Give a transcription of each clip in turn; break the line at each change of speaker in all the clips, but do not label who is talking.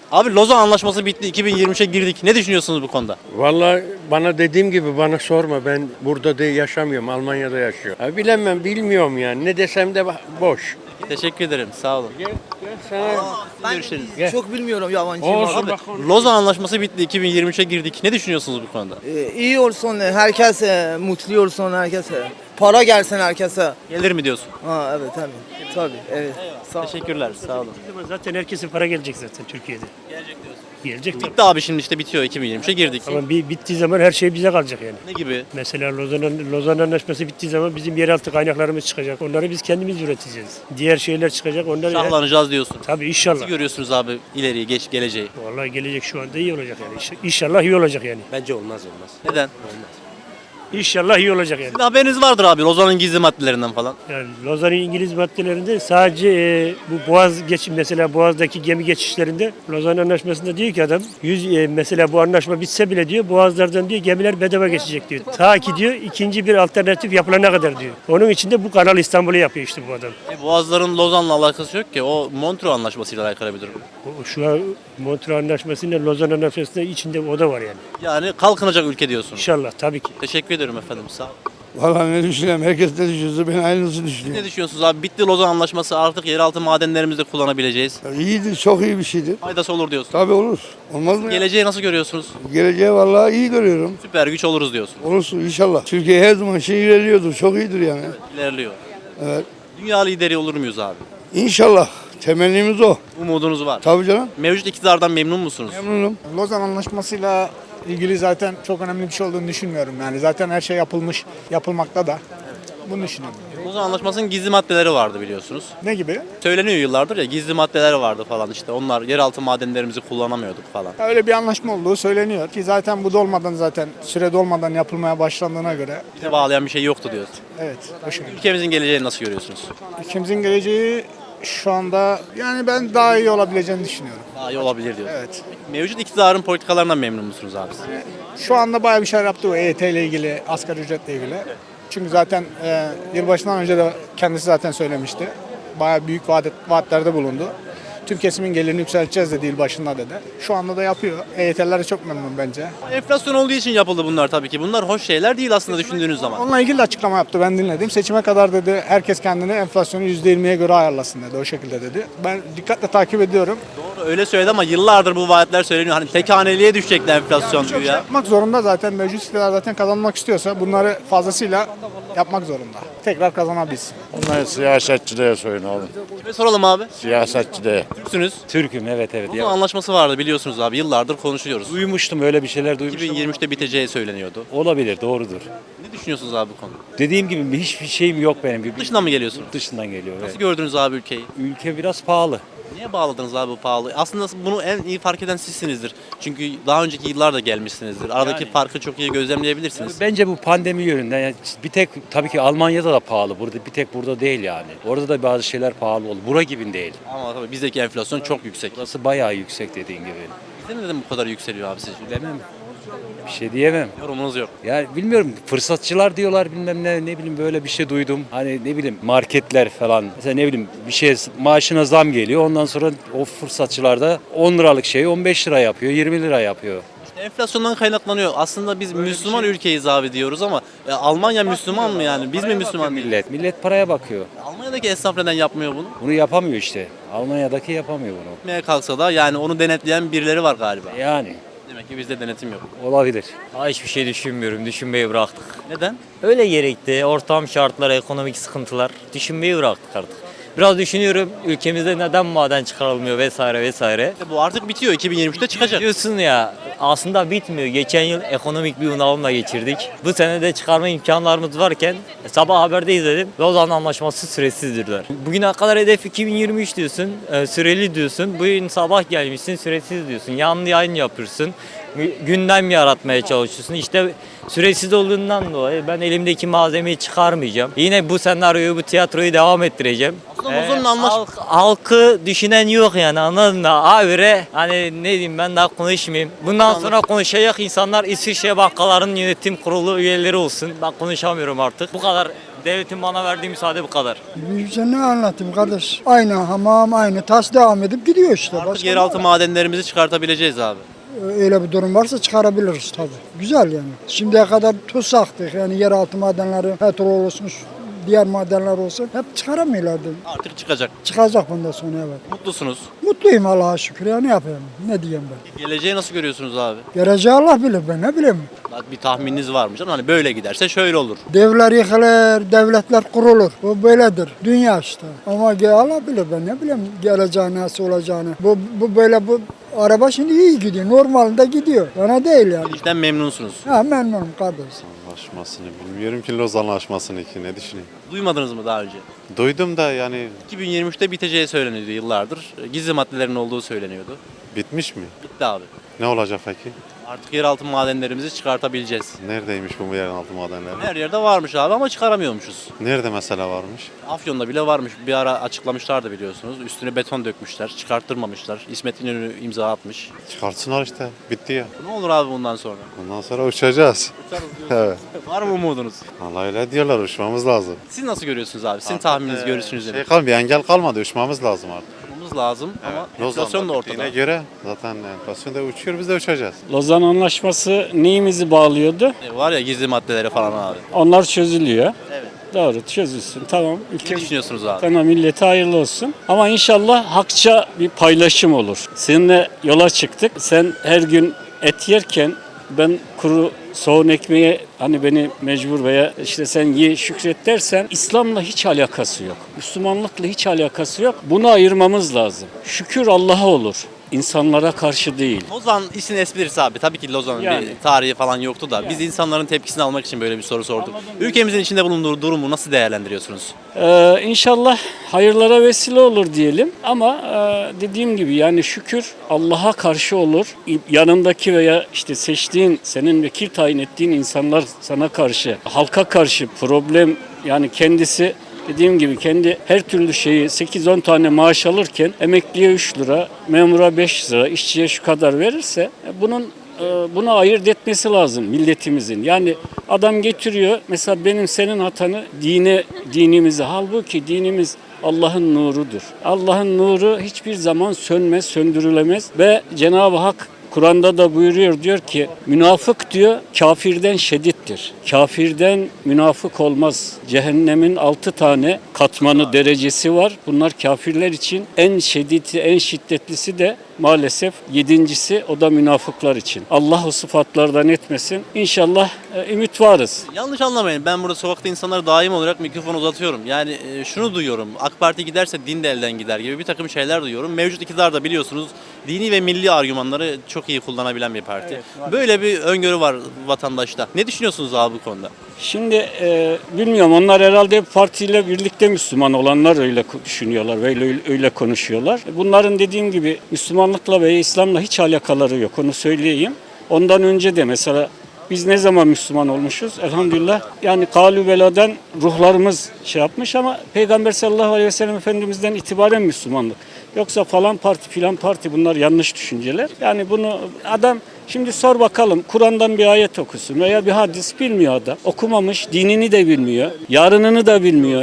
Abi Lozan Anlaşması bitti. 2023'e girdik. Ne düşünüyorsunuz bu konuda?
Vallahi bana dediğim gibi bana sorma, ben burada da yaşamıyorum, Almanya'da yaşıyorum. Ha, bilemem, bilmiyorum yani, ne desem de boş.
Teşekkür ederim. Sağ olun.
Ben
Görüşürüz.
çok bilmiyorum yabancıyım
Olsun
abi.
bak.
Lozan Anlaşması bitti. 2023'e girdik. Ne düşünüyorsunuz bu konuda?
İyi olsun herkese, mutlu olsun herkese. Para gelsin herkese.
Gelir mi diyorsun?
Ha evet tabii. Tabii evet. Sağ ol.
Teşekkürler. Sağ olun.
Zaten herkesin para gelecek zaten Türkiye'de.
Gelecek diyorsun.
Gelecek tabii.
Bitti abi, şimdi işte bitiyor. 2023'e girdik.
Ama bittiği zaman her şey bize kalacak yani.
Ne gibi?
Mesela Lozan Anlaşması bittiği zaman bizim yeraltı kaynaklarımız çıkacak. Onları biz kendimiz üreteceğiz. Diğer şeyler çıkacak. Onları
Şahlanacağız diyorsun.
tabii inşallah.
Nasıl görüyorsunuz abi ileriyi, geleceği?
Vallahi gelecek şu anda iyi olacak yani. İnşallah iyi olacak yani.
Bence olmaz.
Neden?
İnşallah iyi olacak yani.
Sizin haberiniz vardır abi Lozan'ın gizli maddelerinden falan.
Yani Lozan'ın İngiliz maddelerinde sadece bu mesela Boğaz'daki gemi geçişlerinde Lozan Anlaşması'nda diyor ki adam mesela bu anlaşma bitse bile diyor Boğazlardan diyor gemiler bedava geçecek diyor. Ta ki diyor ikinci bir alternatif yapılana kadar diyor. Onun için de bu Kanal İstanbul'u yapıyor işte bu adam.
Boğazların Lozan'la alakası yok ki. O Montreux Anlaşması'yla alakalı bir durum.
Şu an Montreux Anlaşması'nda Lozan Anlaşması'nda içinde o da var yani.
Yani kalkınacak ülke diyorsun.
İnşallah tabii ki.
Teşekkür ederim efendim. Sağ olun.
Vallahi ne düşünüyorum? Herkes ne düşünüyorsa ben aynısını düşünüyorum.
Ne düşünüyorsunuz abi? Bitti Lozan Anlaşması, artık yeraltı madenlerimizi de kullanabileceğiz.
İyidir, çok iyi bir şeydir.
Faydası olur diyorsun.
Tabii olur. Olmaz mı ya?
Geleceği nasıl görüyorsunuz?
Geleceği vallahi iyi görüyorum.
Süper güç oluruz diyorsun.
Olursun inşallah. Türkiye her zaman ilerliyordur. Çok iyidir yani.
İlerliyor.
Evet.
Dünya lideri olur muyuz abi?
İnşallah. Temennimiz o.
Umudunuz var.
Tabii canım.
Mevcut iktidardan memnun musunuz?
Memnunum.
Lozan Anlaşması'yla ilgili zaten çok önemli bir şey olduğunu düşünmüyorum. Yani zaten her şey yapılmış, yapılmakta da. Bunu düşünüyorum.
Lozan Anlaşması'nın gizli maddeleri vardı biliyorsunuz.
Ne gibi?
Söyleniyor yıllardır ya, gizli maddeler vardı falan işte. Onlar yeraltı madenlerimizi kullanamıyorduk falan.
Öyle bir anlaşma olduğu söyleniyor ki zaten bu dolmadan zaten süre dolmadan yapılmaya başlandığına göre
Bize bağlayan bir şey yoktu diyorsun.
evet o şekilde.
Ülkemizin geleceğini nasıl görüyorsunuz?
Ülkemizin geleceği şu anda yani ben daha iyi olabileceğini düşünüyorum.
Daha iyi olabilir diyorsun.
Evet.
Mevcut iktidarın politikalarından memnun musunuz abi siz?
Şu anda bayağı bir şeyler yaptı o EYT ile ilgili, asgari ücretle ilgili. Çünkü zaten yılbaşından önce de kendisi zaten söylemişti. Bayağı büyük vaatlerde bulundu. Tüm kesimin gelirini yükselteceğiz dedi yılbaşında dedi. Şu anda da yapıyor. EYT'liler de çok memnun bence.
Enflasyon olduğu için yapıldı bunlar tabii ki. Bunlar hoş şeyler değil aslında düşündüğünüz zaman.
Onunla ilgili de açıklama yaptı ben dinledim. Seçime kadar dedi herkes kendini enflasyonu %20'ye göre ayarlasın dedi. O şekilde dedi. Ben dikkatle takip ediyorum.
Doğru öyle söyledi ama yıllardır bu vaatler söyleniyor. Hani tek haneliğe düşecekti enflasyon
Çok
diyor
şey
ya.
yapmak zorunda zaten mevcut iktidar zaten kazanmak istiyorsa bunları fazlasıyla yapmak zorunda. Tekrar kazanabilsin.
Bunlar siyasetçiliğe soyun oğlum.
Ve soralım abi.
Siyasetçiliğe.
Türksünüz.
Türk'üm evet.
Lozan Anlaşması vardı biliyorsunuz abi. Yıllardır konuşuyoruz.
Duymuştum öyle bir şeyler duymuştum.
2023'te biteceği söyleniyordu.
Olabilir doğrudur.
Ne düşünüyorsunuz abi bu konuda?
Dediğim gibi hiçbir şeyim yok benim. Bir
Dışından mı geliyorsunuz?
dışından geliyor.
Nasıl
Evet.
gördünüz abi ülkeyi?
Ülke biraz pahalı.
Niye bağladınız abi bu pahalı? Aslında bunu en iyi fark eden sizsinizdir. Çünkü daha önceki yıllarda gelmişsinizdir. Aradaki
Yani.
farkı çok iyi gözlemleyebilirsiniz.
Bence bu pandemi yönünden yani bir tek tabii ki Almanya'da da pahalı. Burada bir tek burada değil yani. Orada da bazı şeyler pahalı oldu. Bura gibi değil.
Ama tabii bizdeki enflasyon çok yüksek.
Burası bayağı yüksek dediğin gibi.
Bizde neden bu kadar yükseliyor abi sizce?
Bilemem. Bir şey diyemem.
Yorumunuz yok.
Ya bilmiyorum fırsatçılar diyorlar bilmem ne bileyim böyle bir şey duydum. Hani ne bileyim marketler falan. Mesela ne bileyim bir şey maaşına zam geliyor. Ondan sonra o fırsatçılar da 10 liralık şeyi 15 lira yapıyor, 20 lira yapıyor.
Enflasyondan kaynaklanıyor. Aslında biz Müslüman ülkeyiz abi diyoruz ama Almanya Müslüman mı yani? Biz mi Müslüman değiliz?
Millet paraya bakıyor.
Almanya'daki esnaf neden yapmıyor bunu?
Bunu yapamıyor işte. Almanya'daki yapamıyor bunu.
Yapmaya kalksa da yani onu denetleyen birileri var galiba.
Yani
Demek ki bizde denetim yok.
olabilir.
Hiçbir şey düşünmüyorum. Düşünmeyi bıraktık.
Neden?
Öyle gerekti. Ortam şartları, ekonomik sıkıntılar. Düşünmeyi bıraktık artık. Biraz düşünüyorum ülkemizde neden maden çıkarılmıyor vesaire vesaire.
Bu artık bitiyor. 2023'te çıkacak.
Diyorsun ya aslında bitmiyor. Geçen yıl ekonomik bir bunalımla geçirdik. Bu sene de çıkarma imkanlarımız varken sabah haberde izledim. Lozan Anlaşması süresizdirler. Bugüne kadar hedef 2023 diyorsun. Süreli diyorsun. Bugün sabah gelmişsin süresiz diyorsun. Yanlı yayın yapıyorsun. Gündem yaratmaya çalışıyorsun. İşte süresiz olduğundan dolayı ben elimdeki malzemeyi çıkarmayacağım. Yine bu senaryoyu, bu tiyatroyu devam ettireceğim.
Aslında Lozan'ın anlaş-
Halkı düşünen yok yani anladın mı? Habire hani ne diyeyim ben daha konuşmayayım. Bundan sonra konuşacak insanlar İsviçre bankalarının yönetim kurulu üyeleri olsun. Ben konuşamıyorum artık. Bu kadar Devletin bana verdiği müsaade bu kadar.
Bize ne anlatayım kardeş? Aynı hamam, aynı tas devam edip gidiyor işte.
Artık
Başka
yeraltı madenlerimizi çıkartabileceğiz abi.
öyle bir durum varsa çıkarabiliriz tabii. Güzel yani. Şimdiye kadar tutsaktık yani yeraltı madenleri, petrol olsun, diğer madenler olsun hep çıkaramıyorlardı.
Artık çıkacak.
Çıkacak bundan sonra evet.
Mutlusunuz.
Mutluyum Allah'a şükür ya ne yapayım? Ne diyeyim ben?
Geleceği nasıl görüyorsunuz abi?
Geleceği Allah bilir ben ne bileyim.
Bir tahmininiz var mı canım? Hani böyle giderse şöyle olur.
Devler yıkılır, devletler kurulur. Bu böyledir. Dünya işte. Ama Allah bilir ben ne bileyim geleceği nasıl olacağını. Bu böyle bu araba şimdi iyi gidiyor. Normalde gidiyor. Bana değil yani.
İşten memnunsunuz.
Ha memnunum kardeş.
Anlaşmasını bilmiyorum ki Lozan Anlaşması'nı ki ne düşüneyim.
Duymadınız mı daha önce?
Duydum da yani
2023'te biteceği söyleniyordu yıllardır. Gizli maddelerin olduğu söyleniyordu.
bitmiş mi?
Bitti abi.
Ne olacak peki?
Artık yeraltı madenlerimizi çıkartabileceğiz.
Neredeymiş bu yerin altı madenleri?
Her yerde varmış abi ama çıkaramıyormuşuz.
Nerede mesela varmış?
Afyon'da bile varmış. Bir ara açıklamışlardı biliyorsunuz. Üstüne beton dökmüşler, çıkarttırmamışlar. İsmet İnönü imza atmış.
Çıkartsınlar işte. Bitti ya.
Ne olur abi bundan sonra?
Bundan sonra uçacağız. Evet.
Var mı umudunuz?
Vallahi öyle diyorlar uçmamız lazım.
Siz nasıl görüyorsunuz abi? Sizin tahmininiz, görüşünüz
Şey
nedir?
kalmadı, engel kalmadı. Uçmamız lazım artık.
Uçmamız lazım ama
Lozan'da
enflasyon da
bittiğine
ortada.
göre zaten enflasyon da uçuyor, biz de uçacağız.
Lozan Anlaşması neyimizi bağlıyordu?
Var ya gizli maddelere falan abi.
Onlar çözülüyor.
Evet.
Doğru çözülsün. Tamam.
Ne
Ülke
düşünüyorsunuz abi?
Tamam millete hayırlı olsun. Ama inşallah hakça bir paylaşım olur. Seninle yola çıktık. Sen her gün et yerken ben kuru soğun ekmeğe hani beni mecbur veya işte sen ye şükret dersen İslam'la hiç alakası yok. Müslümanlıkla hiç alakası yok. Bunu ayırmamız lazım. Şükür Allah'a olur. İnsanlara karşı değil.
Lozan işin esprisi abi. Tabii ki Lozan'ın
Yani.
bir tarihi falan yoktu da biz insanların tepkisini almak için böyle bir soru sorduk. Ülkemizin içinde bulunduğu durumu nasıl değerlendiriyorsunuz?
İnşallah hayırlara vesile olur diyelim ama dediğim gibi yani şükür Allah'a karşı olur. Yanındaki veya işte seçtiğin, senin vekil tayin ettiğin insanlar sana karşı, halka karşı problem yani kendisi dediğim gibi kendi her türlü şeyi 8-10 tane maaş alırken emekliye 3 lira, memura 5 lira, işçiye şu kadar verirse bunu ayırt etmesi lazım milletimizin. Yani adam getiriyor mesela benim senin hatanı dinimize. Halbuki dinimiz Allah'ın nurudur. Allah'ın nuru hiçbir zaman sönmez, söndürülemez ve Cenab-ı Hak Kur'an'da da buyuruyor diyor ki münafık diyor kafirden şedittir. Kafirden münafık olmaz. Cehennemin 6 tane katmanı derecesi var. Bunlar kafirler için en şiddeti, en şiddetlisi de maalesef 7.'si o da münafıklar için. Allah o sıfatlardan etmesin. İnşallah ümit varız.
Yanlış anlamayın. Ben burada sokakta insanlara daim olarak mikrofon uzatıyorum. Yani şunu duyuyorum. AK Parti giderse din de elden gider gibi bir takım şeyler duyuyorum. Mevcut iktidar da biliyorsunuz dini ve milli argümanları çok iyi kullanabilen bir parti. Böyle bir öngörü var vatandaşta. Ne düşünüyorsunuz abi bu konuda?
Şimdi bilmiyorum onlar herhalde partiyle birlikte Müslüman olanlar öyle düşünüyorlar ve öyle konuşuyorlar. Bunların dediğim gibi Müslümanlıkla ve İslam'la hiç alakaları yok onu söyleyeyim. Ondan önce de mesela biz ne zaman Müslüman olmuşuz? Elhamdülillah yani kalü beladan ruhlarımız şey yapmış ama Peygamber sallallahu aleyhi ve sellem Efendimiz'den itibaren Müslümanlık. Yoksa falan parti filan parti bunlar yanlış düşünceler. Yani bunu adam şimdi sor bakalım Kur'an'dan bir ayet okusun veya bir hadis bilmiyor adam. Okumamış, dinini de bilmiyor, yarınını da bilmiyor.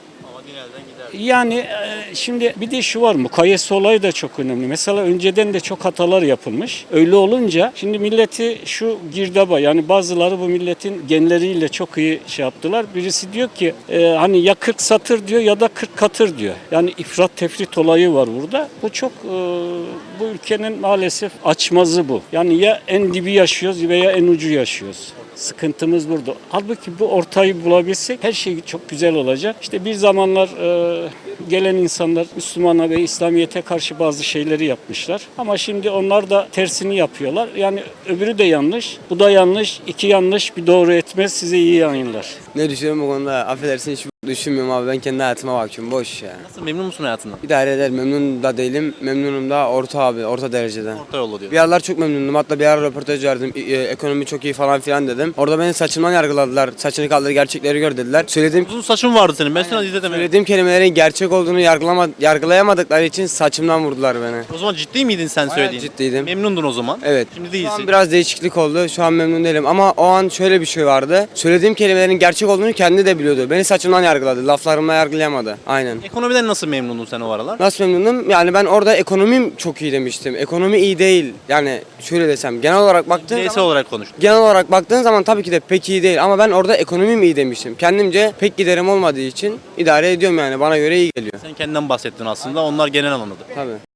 Yani şimdi bir de şu var mukayese olayı da çok önemli. Mesela önceden de çok hatalar yapılmış. Öyle olunca şimdi milleti şu girdaba yani bazıları bu milletin genleriyle çok iyi şey yaptılar. Birisi diyor ki hani ya 40 satır diyor ya da 40 katır diyor. Yani ifrat tefrit olayı var burada. Bu çok bu ülkenin maalesef açmazı bu. Yani ya en dibi yaşıyoruz veya en ucu yaşıyoruz. Sıkıntımız burada. Halbuki bu ortayı bulabilsek her şey çok güzel olacak. İşte bir zamanlar gelen insanlar Müslümana ve İslamiyet'e karşı bazı şeyleri yapmışlar. Ama şimdi onlar da tersini yapıyorlar. Yani öbürü de yanlış, bu da yanlış. İki yanlış bir doğru etmez size iyi yayınlar.
Ne düşünüyorum bu konuda? Affedersin hiç Düşünmüyorum abi, ben kendi hayatıma bakıyorum, boş ya.
Nasıl, memnun musun hayatından?
İdare eder, memnun da değilim, memnunum da orta abi, orta dereceden.
Orta yolda diyor.
Bir aralar çok memnundum. Hatta bir ara röportaj verdim. Ekonomi çok iyi falan filan dedim. Orada beni saçımdan yargıladılar. Saçını kaldır, gerçekleri gör dediler.
Uzun saçın vardı senin. Ben sana izledim.
Söylediğim kelimelerin gerçek olduğunu yargılayamadıkları için saçımdan vurdular beni.
O zaman ciddi miydin sen söylediğin?
ciddiydim.
Memnundun o zaman.
Evet.
Şimdi
Şu
değilsin.
an biraz değişiklik oldu. Şu an memnun değilim. Ama o an şöyle bir şey vardı. Söylediğim kelimelerin gerçek olduğunu kendi de biliyordu. Beni saçımdan yargıladı. Laflarımla yargılayamadı. Aynen.
Ekonomiden nasıl memnundun sen o aralar?
Nasıl memnunum? Yani ben orada ekonomim çok iyi demiştim. Ekonomi iyi değil. Yani şöyle desem, genel olarak baktığın
Bireysel
zaman,
olarak konuştun.
genel olarak baktığın zaman tabii ki de pek iyi değil. Ama ben orada ekonomim iyi demiştim. Kendimce pek giderim olmadığı için idare ediyorum yani. Bana göre iyi geliyor.
Sen kendinden bahsettin aslında. Onlar genel anladı.
Tabii.